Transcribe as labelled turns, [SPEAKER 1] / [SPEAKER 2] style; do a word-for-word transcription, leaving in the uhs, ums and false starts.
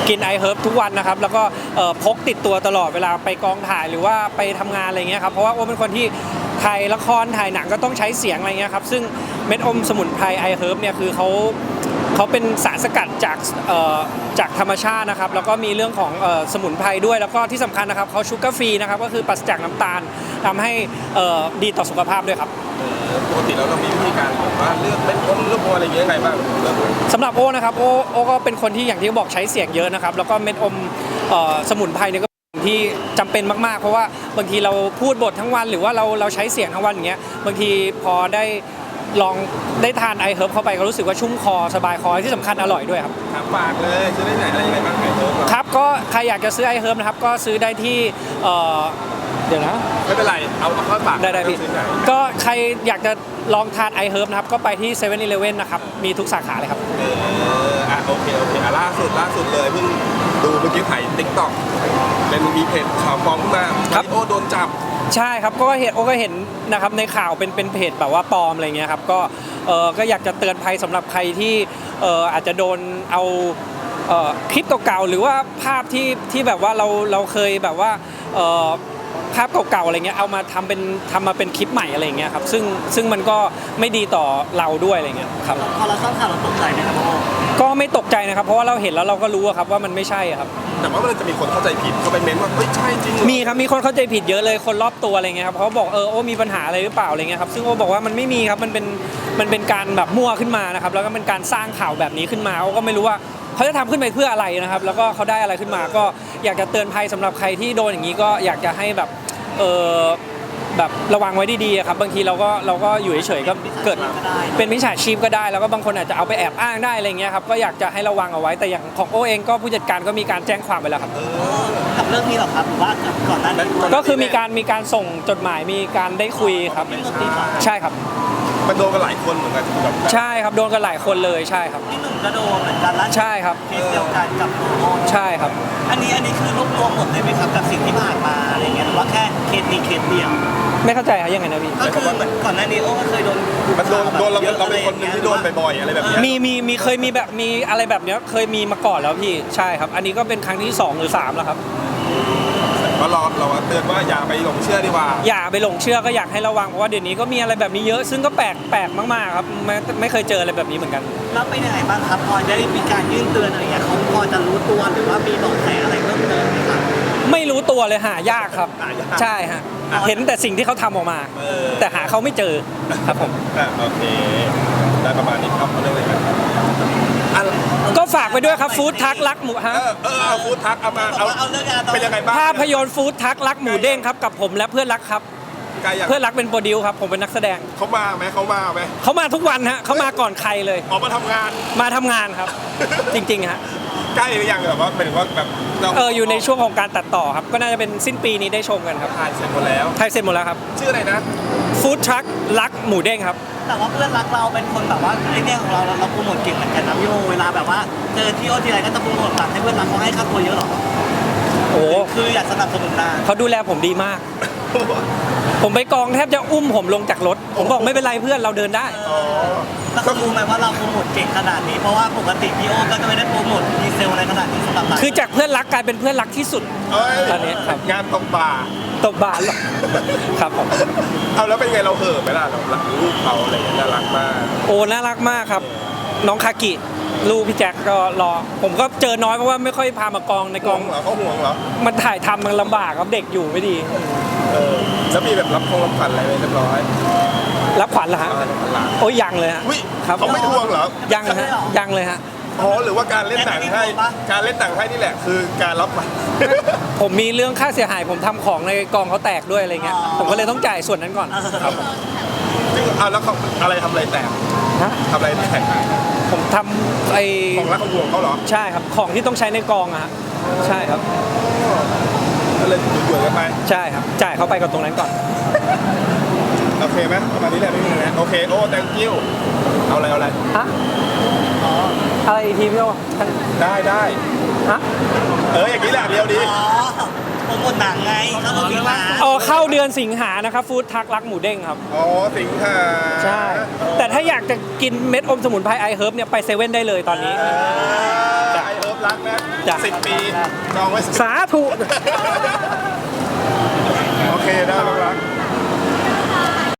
[SPEAKER 1] กินไอเฮิร์บทุกวันนะครับแล้วก็พกติดตัวตลอดเวลาไปกองถ่ายหรือว่าไปทำงานอะไรเงี้ยครับเพราะว่าโอ้เป็นคนที่ถ่ายละครถ่ายหนังก็ต้องใช้เสียงอะไรเงี้ยครับซึ่งเม็ดอมสมุนไพรไอเฮิร์บเนี่ยคือเขาเขาเป็นสารสกัดจากจากธรรมชาตินะครับแล้วก็มีเรื่องของสมุนไพรด้วยแล้วก็ที่สำคัญนะครับเขาชูการ์ฟรีนะครับก็คือปราศจากน้ำตาลทำให้ดีต่อสุขภาพด้วยครับ
[SPEAKER 2] ปกติแล้วเรามีวิธีการว่าเลือกเม็ดอมเลือกอะไรอย่างเงี้ยไงบ้าง
[SPEAKER 1] สำหรับโอ้นะครับโอ้โอ้ก็เป็นคนที่อย่างที่บอกใช้เสียงเยอะนะครับแล้วก็เม็ดอมสมุนไพรเนี่ยก็ที่จำเป็นมากๆเพราะว่าบางทีเราพูดบททั้งวันหรือว่าเราเราใช้เสียงทั้งวันอย่างเงี้ยบางทีพอได้ลองได้ทานไอเฮิร์บเข้าไปก็รู้สึกว่าชุ่มคอสบายคอที่สำคัญอร่อยด้วยครับ
[SPEAKER 2] ถามฝากเลยซื้อได้ไหนอะไรยังไงบ้างไอเฮิร์บ
[SPEAKER 1] ครับก็ใครอยากจะซื้อไอเฮิร์บนะครับก็ซื้อได้ที่เดี๋ยวนะ
[SPEAKER 2] ไม่เป็นไรเอาเอาเข้าปาก
[SPEAKER 1] ได้ได้พี่ก็ใครอยากจะลองทานไอเฮิร์บนะครับก็ไปที่เซเว่นอีเลฟเว่นนะครับมีทุกสาขาเลยครับ
[SPEAKER 2] เอออ่ะโอเคโอเคอ่ะล่าสุดล่าสุดเลยเพิ่งดูเมื่อกี้ถ่ายติ๊กต็อกเป็นมีเพจข่าวฟ้องมาครับโอ้โดนจับ
[SPEAKER 1] ใช่ครับก็เห็นโอ้ก็เห็นนะครับในข่าวเป็นเป็นเพจแบบว่าปลอมอะไรเงี้ยครับก็เออก็อยากจะเตือนภัยสำหรับใครที่เอออาจจะโดนเอาเออคลิปเก่าๆหรือว่าภาพที่ที่แบบว่าเราเราเคยแบบว่าเออภาพเก่าๆอะไรเงี้ยเอามาทำเป็นทำมาเป็นคลิปใหม่อะไรเงี้ยครับซึ่งซึ่งมันก็ไม่ดีต่อเราด้วยอะไรเงี้ยครับ
[SPEAKER 3] พอเราทราบข่าวเราตกใจไหมครับพ่อ
[SPEAKER 1] ก็ไม่ตกใจนะครับเพราะว่าเราเห็นแล้วเราก็รู้ครับว่ามันไม่ใช่ครับ
[SPEAKER 2] แต่ว่ามันจะมีคนเข้าใจผิดเขาไปเม้นว่าเฮ้ยใช่จริง
[SPEAKER 1] มีครับมีคนเข้าใจผิดเยอะเลยคนรอบตัวอะไรเงี้ยครับเขาบอกเออโอ้มีปัญหาอะไรหรือเปล่าอะไรเงี้ยครับซึ่งโอ้บอกว่ามันไม่มีครับมันเป็นมันเป็นการแบบมั่วขึ้นมานะครับแล้วก็เป็นการสร้างข่าวแบบนี้ขึ้นมาโอ้ก็ไม่รู้ว่าเขาจะทำขึ้นไปเพื่ออะไรนะครับแล้วก็เขาได้อะไรขึ้นมาก็อยากจะเตือนภัยสำหรับใครที่โดนอย่างนี้ก็อยากจะให้แบบเออแบบระวังไว้ดีๆครับบางทีเราก็เราก็อยู่เฉยๆก็เกิดเป็นมิจฉาชีพก็ได้แล้วก็บางคนอาจจะเอาไปแอบอ้างได้อะไรเงี้ยครับก็อยากจะให้ระวังเอาไว้แต่อย่างของโอเองก็ผู้จัดการก็มีการแจ้งความไปแล้วครับ
[SPEAKER 3] กับเรื่องนี้หรอครับหรือว่าก่อนหน้านี้
[SPEAKER 1] ก็คือมีการมีการส่งจดหมายมีการได้คุยครับใช่ครับ
[SPEAKER 2] มันโดนกันหลายคนเหมือนกัน
[SPEAKER 1] ใช่ครับโดนกันหลายคนเลยใช่ครับ
[SPEAKER 3] ที่หนึ่งก็โดนเหมือนกันแล้ว
[SPEAKER 1] ใช่ครับ
[SPEAKER 3] เคสเดียวกันกับโอ
[SPEAKER 1] ใช่ครับ
[SPEAKER 3] อันนี้อันนี้คือรวบรวมหมดเลยไหมครับกับสิ่งที่ผ่านมาอะไรเงี้ยหรือว่าแค่เคสนี้เคสเดียว
[SPEAKER 1] ไม่เข้าใจครับยังไงนะพี่
[SPEAKER 3] ก็คือเหมือนก่อนหน้านี้โอ้ก็เคยโดน
[SPEAKER 2] มันโดนโดนเราเราเป็นคนนึงที่โดนบ่อยๆอะไรแบบนี้
[SPEAKER 1] มีมีมีเคยมีแบบมีอะไรแบบนี้เคยมีมาก่อนแล้วพี่ใช่ครับอันนี้ก็เป็นครั้งที่สองหรือสามแล้วครับ
[SPEAKER 2] ก็เราเราเตือนว่าอย่าไปหลงเชื่อดีกว่า
[SPEAKER 1] อย่าไปหลงเชื่อก็อยากให้ระวังเพราะว่าเดี๋ยวนี้ก็มีอะไรแบบนี้เยอะซึ่งก็แปลกแปลกมากๆครับไม่ไม่เคยเจออะไรแบบนี้เหมือนกัน
[SPEAKER 3] แล้วเป็นยังไงบ้างครับพอได้มีการยื่นเตือนอะไรอย่างเงี้ยเขาพอจะรู้ตัวหรือว่ามีเบาะแสอะไรเพิ่มเติมไหมครับ
[SPEAKER 1] ไม่รู้ตัวเลยหายากครับใช่ฮะเห็นแต่สิ่งที่เขาทำออกมาแต่หาเขาไม่เจอครับผม
[SPEAKER 2] โอเคได้ประมาณนี้ครับเรื่องอะไรกัน
[SPEAKER 1] ก็ฝากไปด้วยครับฟู้ดทักรักหมูฮะ
[SPEAKER 2] เออเอาฟู้ดทักเอามาเอาเป็นยังไงบ้าง
[SPEAKER 1] ภาพยนตร์ฟู้ดทักรักหมูเด้งครับกับผมและเพื่อนรักครับเพื่อนรักเป็นโปรดิวครับผมเป็นนักแสดง
[SPEAKER 2] เขามาไหมเขามาไหม
[SPEAKER 1] เขามาทุกวันฮะเขามาก่อนใครเลย
[SPEAKER 2] ออกมาทำงาน
[SPEAKER 1] มาทำงานครับจริงๆฮะ
[SPEAKER 2] ใกล้หรือยังแบบว่าเป็นว่าแบบ
[SPEAKER 1] เอออยู่ในช่วงของการตัดต่อครับก็น่าจะเป็นสิ้นปีนี้ได้ชมกันครับ
[SPEAKER 2] ถ่ายเสร็จหมดแล้ว
[SPEAKER 1] ถ่ายเสร็จหมดแล้วครับ
[SPEAKER 2] ชื่ออะไรนะ
[SPEAKER 1] ฟู้ดทักรักหมูเด้งครับ
[SPEAKER 3] แต่ว่าเพื่อนรักเราเป็นคนแบบว่าไอ้เนี่ยของเราเราโปรโมทเก่งเหมือนกันนะพี่โอเวลาแบบว่าเจอที่โอทีไรก็จะโปรโมทตัดให้เพื่อนรักเขาให้ค่าตัวเยอะหรอ
[SPEAKER 1] โอ้
[SPEAKER 3] คืออยากสนับสนุนนาน
[SPEAKER 1] เขาดูแลผมดีมากผมไปกองแทบจะอุ้มผมลงจากรถผมบอกไม่เป็นไรเพื่อนเราเดินได้
[SPEAKER 3] แล้วเขารู้ไหมว่าเราโปรโมทเก่งขนาดนี้เพราะว่าปกติพี่โอก็จะไม่ได้โปรโมทดีเซลอะไรขนาดนี้สำหรับเรา
[SPEAKER 1] คือจากเพื่อนรักกลายเป็นเพื่อนรักที่สุดตอนนี้ครับ
[SPEAKER 2] งานตกบ่า
[SPEAKER 1] ตกบ่าหรอครับผม
[SPEAKER 2] เอาแล้วเป็นไงเราเห่อไหมล่ะเรารักลูกเขาอะไรน่ารักมาก
[SPEAKER 1] โอ้น่ารักมากครับน้องคากิลูกพี่แจ็คก็รอผมก็เจอน้อยเพราะว่าไม่ค่อยพามากองในกอง
[SPEAKER 2] เหรอเขาห่วงเหรอ
[SPEAKER 1] มันถ่ายทำมันลำบากครับเด็กอยู่ไม่ดี
[SPEAKER 2] เออแล้วมีแบบรับคงรับขวัญอะไรเรียบร้อย
[SPEAKER 1] รับขวัญเหรอฮะโอ้ยยังเลยฮะ
[SPEAKER 2] ครับเขาไม่ทวงเหรอ
[SPEAKER 1] ยังฮะยังเลยฮะ
[SPEAKER 2] อ๋อหรือว่าการเล่นหนังให้การเล่นหนังให้นี่แหละคือการรับมา
[SPEAKER 1] ผมมีเรื่องค่าเสียหายผมทำของในกองเขาแตกด้วยอะไรเงี้ยผมก็เลยต้องจ่ายส่วนนั้นก่อน
[SPEAKER 2] ครับซึ่งเอาแล้วเขาอะไรทำอะไรแตกทำอะไรแตก
[SPEAKER 1] ผมทำไอ้
[SPEAKER 2] ของรักของห่วงเขาเหรอ
[SPEAKER 1] ใช่ครับของที่ต้องใช้ในกองอะฮะใช่ครับ
[SPEAKER 2] ก็เลยหยุดๆกันไป
[SPEAKER 1] ใช่ครับจ่ายเขาไปก่อนตรงนั้นก่อน
[SPEAKER 2] โอเคไหมประมาณนี้แหละไม่มีอะไรโอเคโอ้ thank you เอาอะไรเอาอะไร
[SPEAKER 1] ฮะอ๋ออะไรอีกทีพี่โอ
[SPEAKER 2] ได้ได้
[SPEAKER 1] ฮะ
[SPEAKER 2] เอออย่างนี้แหละเดียวดี
[SPEAKER 3] ผมหมดหนังไงเข้าสิงหา
[SPEAKER 1] อ๋อเข้าเดือนสิงหานะครับฟู้ดทักรักหมูเด้งครับ
[SPEAKER 2] อ๋อสิงหา
[SPEAKER 1] ใช่แต่ถ้าอยากจะกินเม็ดอมสมุนไพรไอเฮิร์บเนี่ยไปเซเว่นได้เลยตอนนี้
[SPEAKER 2] ไอเฮิร์บรักนะ
[SPEAKER 1] จ้ะ
[SPEAKER 2] สิบปีจองไว้สิบ
[SPEAKER 1] สาธุ